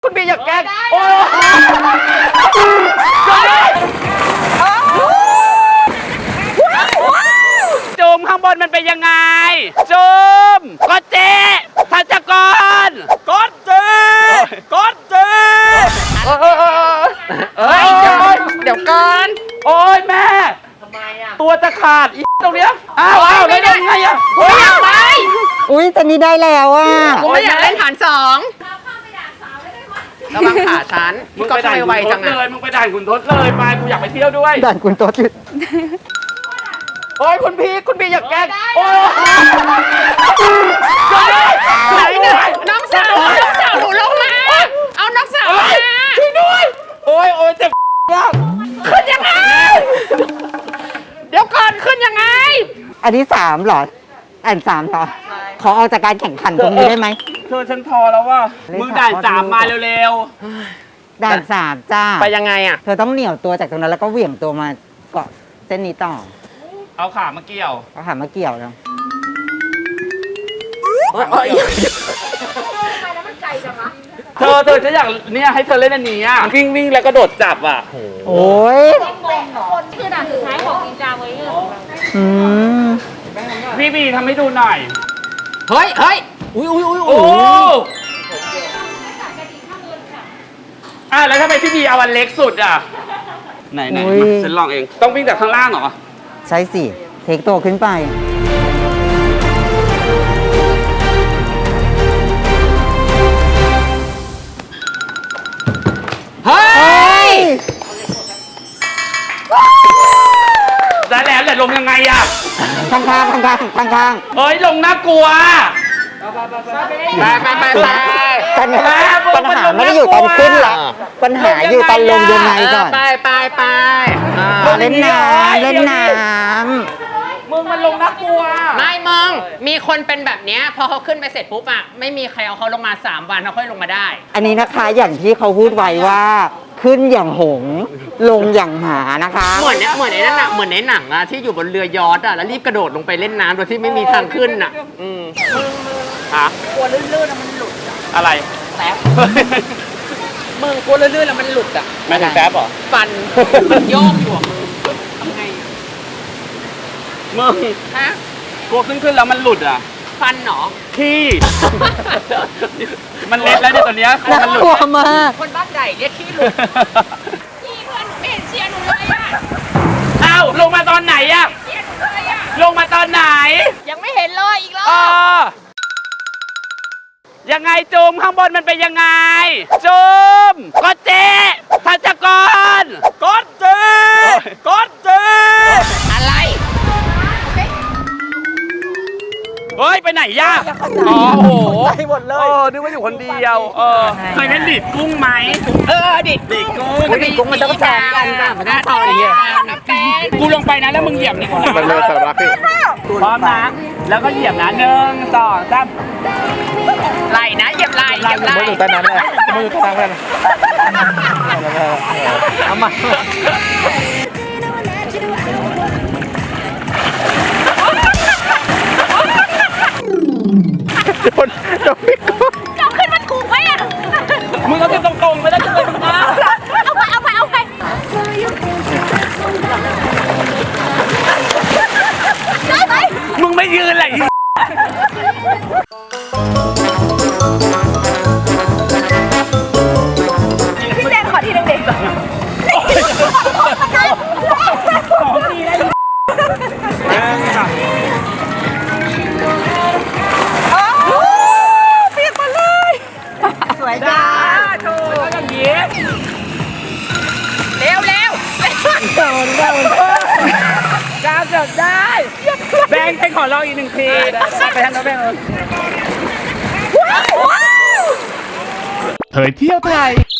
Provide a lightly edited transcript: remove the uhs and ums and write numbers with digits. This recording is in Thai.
คุณบีอยากแกล้งโอ้จูมข้างบนมันเป็นยังไงจูมก็เจ๊ทัชกรก็เจ๊ก็เจ๊เดี๋ยวก่อนโอ้ยแม่ทำไมอ่ะตัวจะขาดอีตรงเนี้ยอ้าวได้ยังไงอ่ะโอ้ยไปอุ้ยตอนนี้ได้แล้วอ่ะกูไม่อยากเล่นฐานสองระวังขาฉันมึงก็ทำไมไวจังอ่ะมึงไปด่านขุนทดเลยไปกูอยากไปเที่ยวด้วยด่านคุณโต๊ดโอ้ยคุณพี่อยากแกล้งโอ้ไหนเนี่ยน้องสาวหนูลงมาเอาน้องสาวมาช่วยด้วยโอ้ยเจ็บมากขึ้นยังไงเดี๋ยวก่อนขึ้นยังไงอันนี้3เหรออัน3เหรอขอออกจากการแข่งขันตรงนี้ได้ไหมเธอฉันทอแล้วว่ามึงด่าน3มาเร็วๆด่าน3จ้าไปยังไงอ่ะเธอต้องเหนี่ยวตัวจากตรงนั้นแล้วก็เหวี่ยงตัวมาเกาะเส้นนี้ต่อเอาขามาเกี่ยวเอาขามาเกี่ยวแล้วเธอฉันอยากเนี่ยให้เธอเล่นอันนี้อ่ะวิ่งแล้วก็โดดจับอ่ะโอ้ยคนคือด่านสุดท้ายของนินจาเว้ยพี่บีทำให้ดูหน่อยเฮ้ยอุ้ยโอ้แล้วทำไมพี่บีเอาอันเล็กสุดอ่ะไหนฉันลองเองต้องวิ่งจากข้างล่างเหรอใช่สิเทคตัวขึ้นไปเฮ้ยได้แล้วแต่ลงยังไงอ่ะข้างเฮ้ยลงน่ากลัวไปปัญหาไม่ได้อยู่ตอนขึ้นหรอกปัญหาอยู่ตอนลงยังไงก่อนไปเล่นน้มึงมันลงน่ากลัวไม่มึงมีคนเป็นแบบเนี้ยพอเขาขึ้นไปเสร็จปุ๊บอะไม่มีใครเอาเขาลงมา3 วันเขาค่อยลงมาได้อันนี้นะคะอย่างที่เขาพูดไว้ว่าขึ้นอย่างหงลงอย่างหมานะคะเหมือนในนั้นอะเหมือนในหนังอะที่อยู่บนเรือยอชต์อะแล้วรีบกระโดดลงไปเล่นน้ำโดยที่ไม่มีทางขึ้นอะกลัวลื่นๆมันหลุดอะไรแป๊บมึงกลัวลื่นๆแล้วมันหลุดอะไม่ถึงแป๊บหรอฟันมันโยกอยู่ทำไงมึงฮะกลัวขึ้นแล้วมันหลุดอ่ะฟันเหรอขี้มันเล็ดแล้วเนี่ยตอนนี้มันหลุดมากคนบ้านใหญ่เรียกขี้หลุดพี่เพื่อนหนูไม่เห็นเชียร์หนูเลยอ่ะอ้าวลงมาตอนไหนอ่ะเชียร์หนูเลยอ่ะลงมาตอนไหนยังไม่เห็นเลยอีกรอบยังไงจูมข้างบนมันเป็นยังไงจูมก็เจ๊ทัชกรก็เจ๊อะไรเฮ้ยไปไหนย่าโอ้โหไปหมดเลยนึกว่าอยู่คนเดียวเคยเล่นดิดกุ้งไหมดิดกุ้งมันต้องแซงกันมันต้องต่ออย่างเงี้ยกูลงไปนะแล้วมึงเหยียบนี่กูมันเลยสารพัดพี่พร้อมนะแล้วก็เหยียบนะ1 2 3 ไหลนะเหยียบไหลมืออยู่ใต้น้ำเลยมืออยู่ใต้น้ำเลยเอามาโดนพี่กุ้งเอาขึ้นมันถูกไหมอ่ะมึงเอาขึ้นตรงๆไม่ได้ขึ้นไปตรงกลางเอาไปได้ไหมมึงไม่ยืนเลยพี่แจนขอทีนึงเด็กสวยจ้าถูกอย่างนี้เร็วจ้าเกือบได้แบงค์ให้ขอลองอีก1 ทีไปทางโน้นแบงค์เผยเที่ยวไทย